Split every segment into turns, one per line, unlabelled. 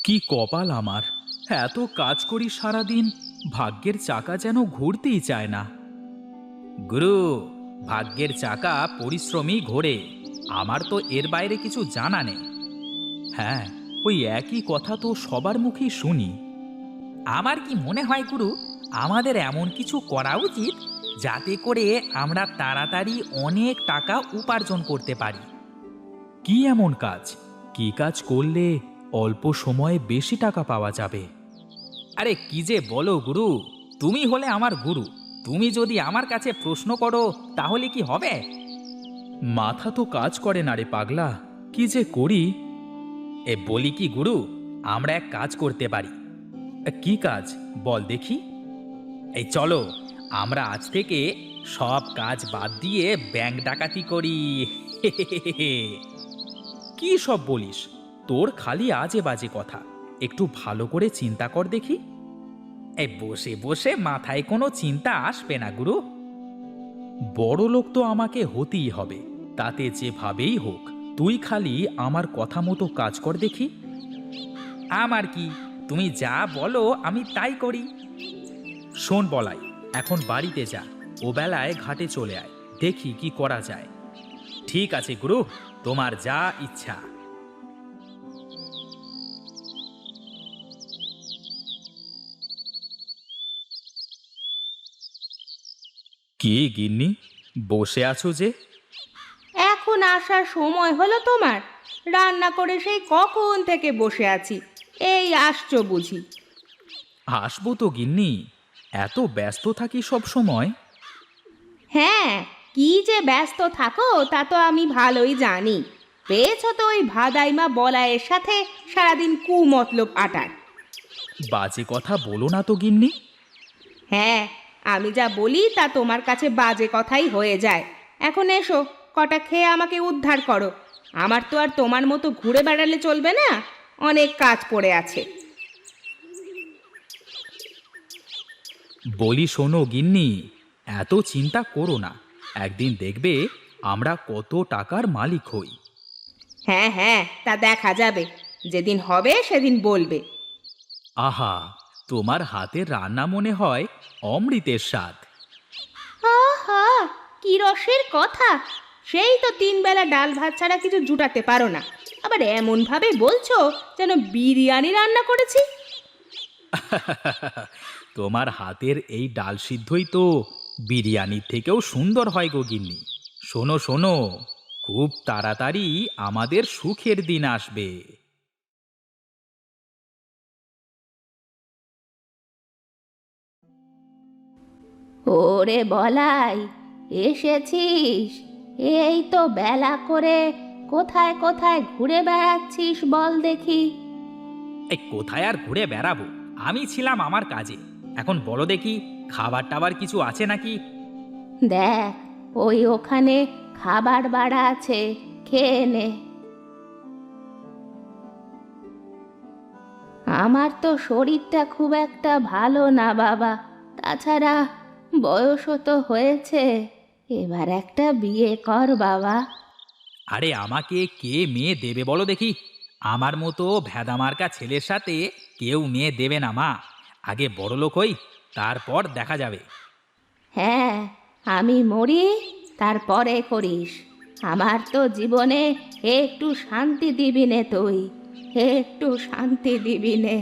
কি কপাল আমার! এত কাজ করি সারাদিন, ভাগ্যের চাকা যেন ঘুরতেই চায় না। গুরু, ভাগ্যের চাকা পরিশ্রমী ঘোরে। আমার তো এর বাইরে কিছু জানা নেই। হ্যাঁ, ওই একই কথা তো সবার মুখেই শুনি। আমার কি মনে হয় গুরু, আমাদের এমন কিছু করা উচিত যাতে করে আমরা তাড়াতাড়ি অনেক টাকা উপার্জন করতে পারি। কি এমন কাজ? কি কাজ করলে অল্প সময়ে বেশি টাকা পাওয়া যাবে? আরে কি যে বলো গুরু, তুমি হলে আমার গুরু। তুমি যদি আমার কাছে প্রশ্ন করো তাহলে কি হবে? মাথা তো কাজ করে না রে পাগলা, কি যে করি। বলি কি গুরু, আমরা এক কাজ করতে পারি। কি কাজ বল দেখি? এই চলো, আমরা আজ থেকে সব কাজ বাদ দিয়ে ব্যাংক ডাকাতি করি। কি সব বলিস? তোর খালি আজে বাজে কথা। একটু ভালো করে চিন্তা কর দেখি। এই বসে বসে মাথায় কোনো চিন্তা আসবে না গুরু। বড় লোক তো আমাকে হতেই হবে, তাতে যেভাবেই হোক। তুই খালি আমার কথা মতো কাজ কর দেখি। আমার কি, তুমি যা বলো আমি তাই করি। শোন বলাই, এখন বাড়িতে যা, ও বেলায় ঘাটে চলে আয়, দেখি কি করা যায়। ঠিক আছে গুরু, তোমার যা ইচ্ছা। কি গিন্নি, বসে আছো যে?
এখন আসার সময় হলো তোমার? রান্না করে সেই কখন থেকে বসে আছি, এই আসছো বুঝি?
আসবো তো গিন্নি, এত ব্যস্ত থাকি সব সময়।
হ্যাঁ, কি যে ব্যস্ত থাকো তা তো আমি ভালোই জানি। পেয়েছো তো ওই ভাদাইমা বলায়ের সাথে সারাদিন কুমতলব আটার।
বাজে কথা বলো না তো গিন্নি।
হ্যাঁ, আমি যা বলি তা তোমার কাছে বাজে কথাই হয়ে যায়। এখন এসো, কটা খেয়ে আমাকে উদ্ধার করো। আমার তো আর তোমার মতো ঘুরে বেড়ালে চলবে না, অনেক কাজ পড়ে আছে।
বলি শোনো গিন্নি, এত চিন্তা করো না। একদিন দেখবে আমরা কত টাকার মালিক হই।
হ্যাঁ হ্যাঁ, তা দেখা যাবে, যেদিন হবে সেদিন বলবে।
আহা, তোমার হাতের রান্না মনে হয় অমৃতের স্বাদ।
আহা, কি রসের কথা! সেই তো তিন বেলা ডাল ভাত ছাড়া কিছু জুটাতে পারো না, আবার এমন ভাবে বলছো যেন বিরিয়ানি রান্না করেছি।
তোমার হাতের এই ডাল সিদ্ধই তো বিরিয়ানির থেকেও সুন্দর হয় গো গিন্নি। শোনো শোনো, খুব তাড়াতাড়ি আমাদের সুখের দিন আসবে।
ওরে বলাই, এসেছিস? এই তো বেলা করে কোথায় কোথায় ঘুরে বেড়াচ্ছিস বল দেখি।
এই কোথায় আর ঘুরে বেড়াবো, আমি ছিলাম আমার কাজে। এখন বলো দেখি, খাবার টাবার কিছু আছে নাকি?
দেখ, ওই ওখানে খাবার বাড়া আছে, খেয়ে নে। আমার তো শরীরটা খুব একটা ভালো না বাবা, তাছাড়া বয়সও তো হয়েছে, এবার একটা বিয়ে কর বাবা।
আরে আমাকে কে মেয়ে দেবে বলো দেখি? আমার মতো ভেদামার্কা ছেলের সাথে কেউ মেয়ে দেবে না মা। আগে বড়লোক হই, তারপর দেখা যাবে।
হ্যাঁ, আমি মরি তারপরে করিস। আমার তো জীবনে একটু শান্তি দিবি নে তুই, একটু শান্তি দিবি নে।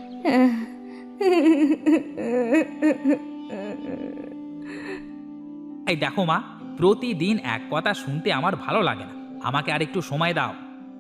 এই দেখো মা, প্রতিদিন এক কথা শুনতে আমার ভালো লাগে না। আমাকে আর একটু সময় দাও।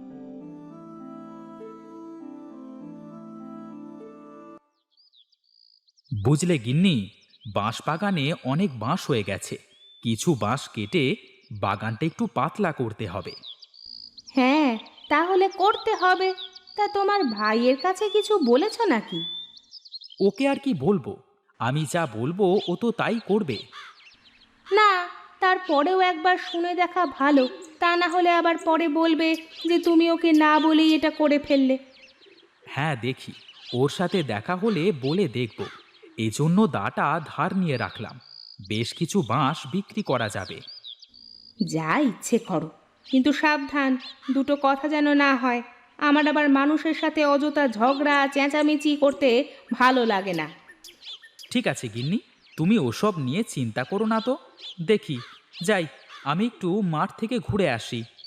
বুঝলে গিন্নি, বাঁশ বাগানে অনেক বাঁশ হয়ে গেছে। কিছু বাঁশ কেটে বাগানটা একটু পাতলা করতে হবে।
হ্যাঁ, তাহলে করতে হবে। তা তোমার ভাইয়ের কাছে কিছু বলেছো নাকি?
ওকে আর কি বলবো, আমি যা বলবো ও তো তাই করবে।
না, তারপরেও একবার শুনে দেখা ভালো। তা না হলে আবার পরে বলবে যে তুমি ওকে না বলেই এটা করে ফেললে।
হ্যাঁ দেখি, ওর সাথে দেখা হলে বলে দেখব। এজন্য দাটা ধার নিয়ে রাখলাম। বেশ কিছু বাঁশ বিক্রি করা যাবে।
যা ইচ্ছে করো, কিন্তু সাবধান, দুটো কথা যেন না হয়। আমার আবার মানুষের সাথে অযথা ঝগড়া চেঁচামেচি করতে ভালো লাগে না।
ঠিক আছে গিন্নি, তুমি ওসব নিয়ে চিন্তা করো না তো। দেখি, যাই, আমি একটু মাঠ থেকে ঘুরে আসি।